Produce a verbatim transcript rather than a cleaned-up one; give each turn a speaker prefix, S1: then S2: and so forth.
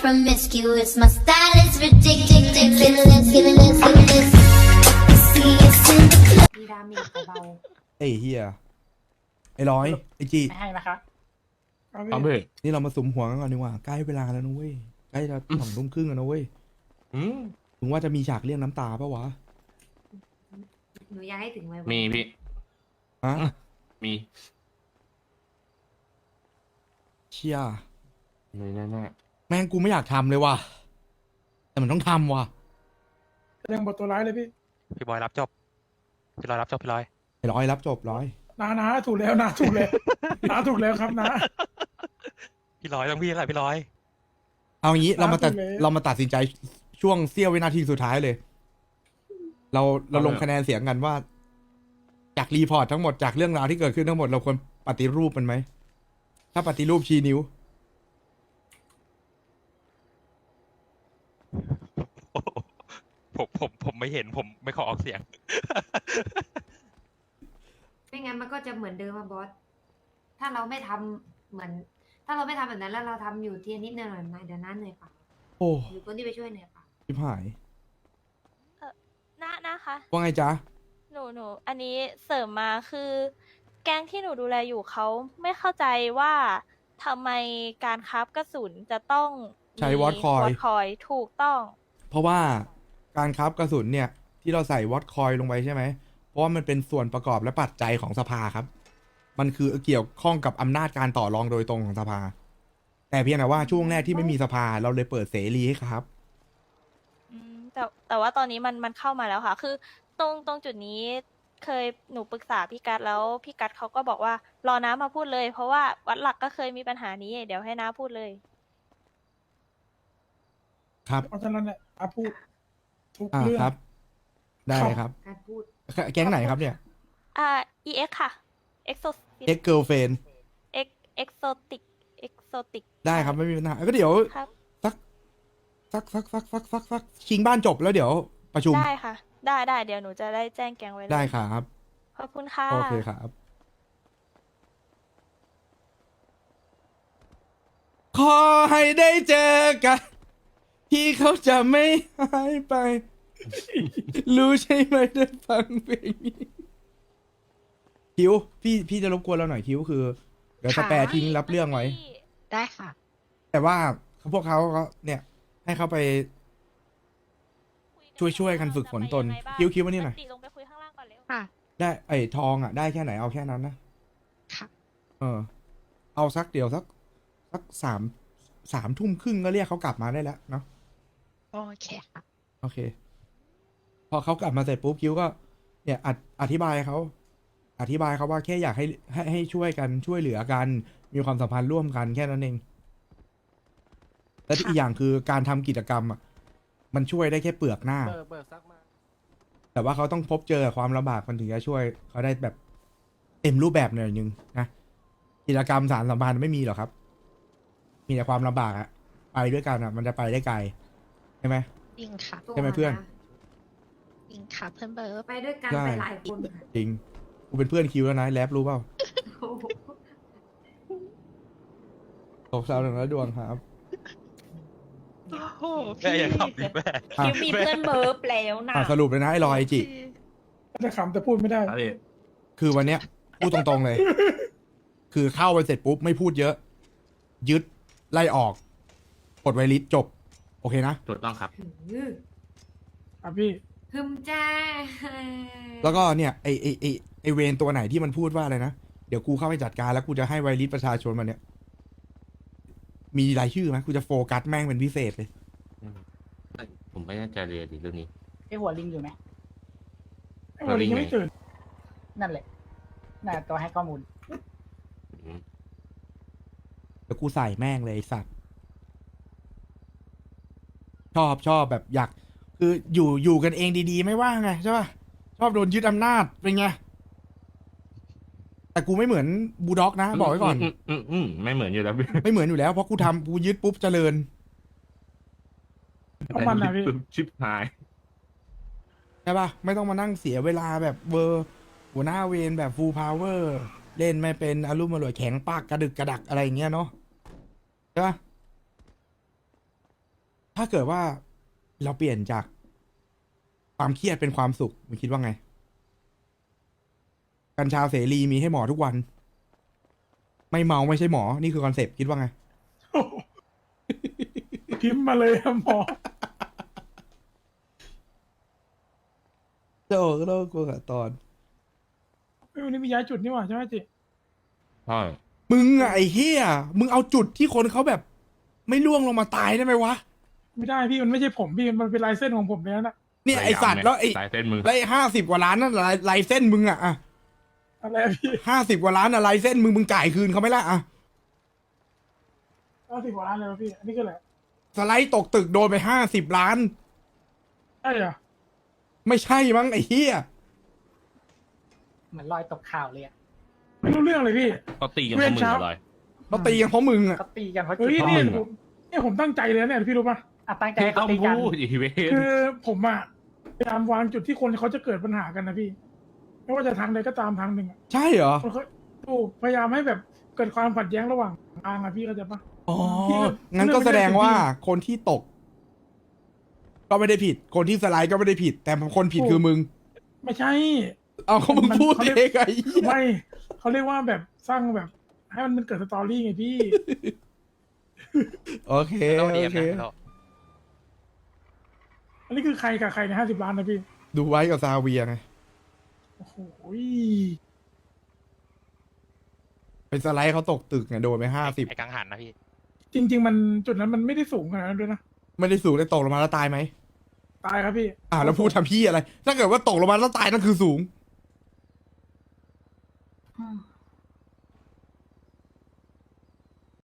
S1: promiscuous. My style is ridiculous. Ridiculous, ridiculous, ridiculous. See us in the club.
S2: มีดาเมจเบา
S3: ไอ้เฮียไอ้ร้อยไอ้จี
S2: ๆไม่ให้นะคะ
S4: เอาเว้ย
S3: นี่เรามาสุมหัวกันก่อนดีกว่าใกล้เวลาแล้วนะเว้ยใกล้จะสองทุ่มครึ่งแล้วนะเว้ย
S4: อืม
S3: ถึงว่าจะมีฉากเรียกน้ำตาปะวะ
S2: หนูอยากให้ถึงไว้
S4: มีพี่
S3: ฮะ
S4: มี
S3: เชี่ย
S4: มีแน่
S3: แม่งกูไม่อยากทำเลยว่ะแต่มันต้องทำว่ะ
S5: แสดงบทตัวร้ายเลยพี่
S6: พี่บอยรับจบ พี่ลอยรับจบพี่ลอย
S3: ไอ้ร้อยรับจบร้อย
S5: นานาถูกแล้วนาถูกแล้ว นาถูกแล้วครับนะ
S6: พี่ลอยต้องพี่อะไรพี่ลอย
S3: เอางี้เรามาตัด
S5: ถูกแล้ว
S3: เรามาตัดสินใจช่วงเสี้ยววินาทีสุดท้ายเลย เราเราลงคะแนนเสียงกันว่า จากรีพอร์ตทั้งหมดจากเรื่องราวที่เกิดขึ้นทั้งหมดเราควรปฏิรูปมันไหมถ้าปฏิรูปชี้นิ้ว
S6: ผมผมผมไม่เห็นผมไม่ขอออกเสียง
S2: ไม่งั้นมันก็จะเหมือนเดิมอะบอส ถ้าเราไม่ทำเหมือน ถ้าเราไม่ทำแบบนั้นแล้วเราทำอยู่ทีละนิดหน่อยๆเดี๋ยวนั้นเหนื่อยเปล่า
S3: โอ้
S2: หรือคนที่ไปช่วยเหนื่อยเปล่า
S3: ชิบหาย
S7: นะนะคะ
S3: ว่าไงจ๊ะ
S7: หนูหนูอันนี้เสริมมาคือ แก๊งที่หนูดูแลอยู่เขาไม่เข้าใจว่าทำไมการคราฟกระสุนจะต้อง
S3: ใช้วอตคอย
S7: วอตคอยถูกต้อง
S3: เพราะว่าการคราฟกระสุนเนี่ย ที่เราใส่วอตคอยลงไปใช่ไหม เพราะว่ามันเป็นส่วนประกอบและปัจจัยของสภาครับ มันคือเกี่ยวข้องกับอำนาจการต่อรองโดยตรงของสภา แต่เพียงแต่ว่าช่วงแรกที่ไม่มีสภาเราเลยเปิดเสรีให้ครับ
S7: อืมแต่แต่ว่าตอนนี้มันมันเข้ามาแล้วค่ะ คือตรงตรงจุดนี้เคยหนูปรึกษาพี่กัดแล้วพี่กัดเขาก็บอกว่ารอน้ามาพูดเลย เพราะว่าวัดหลักก็เคยมีปัญหานี้ เดี๋ยวให้น้าพูดเลย
S3: ครับ
S5: เพราะฉะนั้นเนี่ยอาพูดทุก
S3: อ่า
S5: เรื่อง
S3: ครับ ได้เลยครับ
S2: การพูด
S3: แก๊งไหนครับเนี่ย
S7: อ่า อี เอ็กซ์ ค่ะ Exo
S3: X Girlfriend
S7: X Exotic Exotic
S3: ได้ครับไม่มีปัญหาก็เดี๋ยว
S7: ครับ
S3: สักสักสักสักสักสักสักชิงบ้านจบแล้วเดี๋ยวประชุม
S7: ได้ค่ะ ได้ได้เดี๋ยวหนูจะได้แจ้งแกงไว้เลย
S3: ได้ครับ
S7: ขอบคุณค่ะ
S3: โอเคครับ ขอให้ได้เจอกันที่เขาจะไม่หายไป รู้ใช่ไหมได้ฟังเพลงนี้คิวพี่พี่จะรบกวนเราหน่อยคิวคือ เดี๋ยวสแปร์ทิ้งรับเรื่องไว้
S8: ได้ค่ะ
S3: แต่ว่าพวกเขาก็เนี่ย ให้เขาไป ช่วยช่วยกันฝึกฝนตนคิ้วคิ้วมานี่หน่อย
S7: ปกติลงไปคุยข้างล่างก่อนเร็ว
S8: ค่ะ
S3: ได้ไอ้ทองอ่ะได้แค่ไหนเอาแค่นั้นนะ
S8: ค่ะ
S3: เออ เอาสักเดี๋ยวสักสักสามสามทุ่มครึ่งก็เรียกเขากลับมาได้แล้วเนาะ
S8: โอเคค่ะ
S3: โอเค พอเขากลับมาเสร็จปุ๊บคิวก็ เนี่ยออธิบายเขาอธิบายเขาว่าแค่อยากให้ให้ให้ช่วยกันช่วยเหลือกัน มีความสัมพันธ์ร่วมกันแค่นั้นเอง และที่อีกอย่างคือการทำกิจกรรมอ่ะมันช่วยได้แค่เปลือกหน้า
S4: เบิกเบิกซักมา
S3: แต่ว่าเขาต้องพบเจอความลำบากมันถึงจะช่วยเขาได้แบบเต็มรูปแบบหน่อยนึงนะกิจกรรมสารสัมพันธ์ไม่มีหรอกครับ มีแต่ความลำบากอะไปด้วยกันอะมันจะไปได้ไกลใช่ไหม
S8: จริงค่ะ
S3: ใช่ไหมเพื่อน
S8: จริงค่ะเพื่อนเบิร์ด
S2: ไปด้วยกัน
S3: ใช่
S2: ไปหลายคนค่ะ
S3: จริงกูเป็นเพื่อนคิวแล้วนะแรปรู้เปล่า
S2: โอ้โห
S3: ตกเสาหนึ่งแล้วดวงครับ
S8: โอ้โห
S6: แม่อย่าขับดิแม่
S3: อ่ะ
S2: คิวมีเพื่อนเบิร์ฟแล้วนะ
S3: อ่ะสรุปเลยนะไอ้ลอยไอจิ
S5: จะขำแต่พูดไม่ได้
S4: อะไร
S3: คือวันเนี้ยพูดตรงๆเลย คือเข้าไปเสร็จปุ๊บไม่พูดเยอะ ยึดไล่ออกกดไวลิสจบ โอเคนะ
S4: ถูกต้องครับ
S2: หือ
S5: อ่ะพี่
S2: ฮึมจ้า
S3: แล้วก็เนี่ยไอไอไอไอเวนตัวไหนที่มันพูดว่าอะไรนะ เดี๋ยวกูเข้าไปจัดการแล้วกูจะให้ไวริสประชาชนมันเนี่ย มีรายชื่อไหมกูจะโฟกัสแม่งเป็นพิเศษเลย
S4: ผมไม่แน่ใจเลยดิเรื่องนี้
S9: ไอหัวลิงอยู่ไหม
S5: ไอ้วันนี้ยังไม่ตื่น
S9: นั่นแหละ น่าตัวให้ข้อมูล
S4: อืม
S3: เดี๋ยวกูใส่แม่งเลยไอ้สัตว์ ชอบชอบแบบอยาก คืออยู่อยู่กันเองดีๆ ไม่ว่าไงใช่ป่ะ ชอบโดนยึดอำนาจเป็นไง แต่กูไม่เหมือนบูลด็อกนะ บอกไว้ก่อน
S4: อืมอืมอืมไม่เหมือนอยู่แล้วพี่
S3: ไม่เหมือนอยู่แล้วเพราะกูทำกูยึดปุ๊บเจริญ
S5: เอามันนะพี่
S4: ชิปหาย
S3: ใช่ป่ะ ไม่ต้องมานั่งเสียเวลาแบบเวอร์ หัวหน้าเวรแบบฟูลพาวเวอร์ เล่นไม่เป็นอารมณ์อร่วยแข็งปากกระดึกกระดักอะไรอย่างเงี้ยเนาะใช่ป่ะถ้าเกิดว่าเราเปลี่ยนจากความเครียดเป็นความสุขมึงคิดว่าไง กัญชาเสรีมีให้หมอทุกวัน ไม่เมาไม่ใช่หมอ นี่คือคอนเซปต์คิดว่าไง
S5: โอ้โหพิมพ์มาเลยครับหมอ
S3: เจ้าก็ต้องกลัวกับตอน
S5: เฮ้ยวันนี้มีย้ายจุดนี่หว่าใช่ไหมจิ
S4: ใช่
S3: มึงอะไอ้เฮียมึงเอาจุดที่คนเขาแบบ ไม่ล่วงลงมาตายได้ไหมวะ
S5: ไม่ได้พี่มันไม่ใช่ผมพี่มันเป็นลายเส้นของผมแล้วนะ
S3: เนี่ยไอสัตว์แล้วไอ้
S4: สายเส้นมึง
S3: แล้วไอ้ห้าสิบกว่าล้านนั่นลายลายเส้นมึงอะอะ
S5: อะไรอะพี่
S3: ห้าสิบกว่าล้านอะลายเส้นมึงมึงจ่ายคืนเขาไหมล่ะอะ
S5: เก้าสิบกว่าล้านเลยวะพี่อันนี้คืออะไร
S3: สไลด์ตกตึกโดนไปห้าสิบล้าน
S5: ใช่เหรอ
S3: ไม่ใช่มั้งไอ้เฮีย
S9: เหมือนรอยตกข่าวเลยอะ
S5: ไม่รู้เรื่องเลยพี่
S4: เขาตีกันเพราะมึงอะไร
S3: เขาตีกันเพราะมึงอะ
S9: เขาตีกันเพราะจุ
S5: เฮ้
S9: ด
S5: ย
S9: เขา
S5: เนี่ย
S9: มึง
S5: ผมเนี่ยผมตั้งใจเลยนะเนี่ยพี่รู้ปะ
S9: อ่ะตั้งใจ
S4: ที่
S9: ให้เขา
S4: ต้อง
S9: ตีกัน
S4: พูดอีเวน
S5: คือผมอะพยายามวางจุดที่คนเขาจะเกิดปัญหากันนะพี่ ไม่ว่าจะทางใดก็ตามทางหนึ่งอะ
S3: ใช่เหรอ
S5: คนเขาถูกพยายามให้แบบเกิดความขัดแย้งระหว่างทางอะพี่เข้าใจปะ
S3: อ๋อ
S5: พี่ก็
S3: งั้นก็แสดงว่า
S5: เรื่องมันเรื่อง
S3: คนที่ตก ก็ไม่ได้ผิด คนที่สไลด์ก็ไม่ได้ผิด แต่คนผิดคือมึง
S5: ไม่ใช่
S3: เอาเขามึง
S5: มัน
S3: พูด
S5: เขา
S3: เอ
S5: เรียก
S3: งไงเหี้ย
S5: ไม่เขาเรียกว่าแบบสร้างแบบ ให้มันเกิดสตอรี่ไงพี่
S3: โอเค
S6: ไม่ต้องเดีย
S3: โอ
S6: ม
S3: เค
S6: นะพี่โล
S5: อันนี้คือใครกับใครในห้าสิบล้านนะพี่
S3: ดูไว้กับซาเวียไง
S5: โอ้โห
S3: เป็นสไลด์เขาตกตึกไงโดนไปห้าสิบ
S6: ไอ้กังหันนะพี่
S5: จริง ๆ มันจุดนั้นมันไม่ได้สูงขนาดนั้นด้วยนะ
S3: ไม่ได้สูงได้ตกลงมาแล้วตายไหม
S5: ตายครับพี่
S3: อ่าแล้วพูดทำพี่อะไร ถ้าเกิดว่าตกลงมาแล้วตายนั่นคือสูง
S9: อืม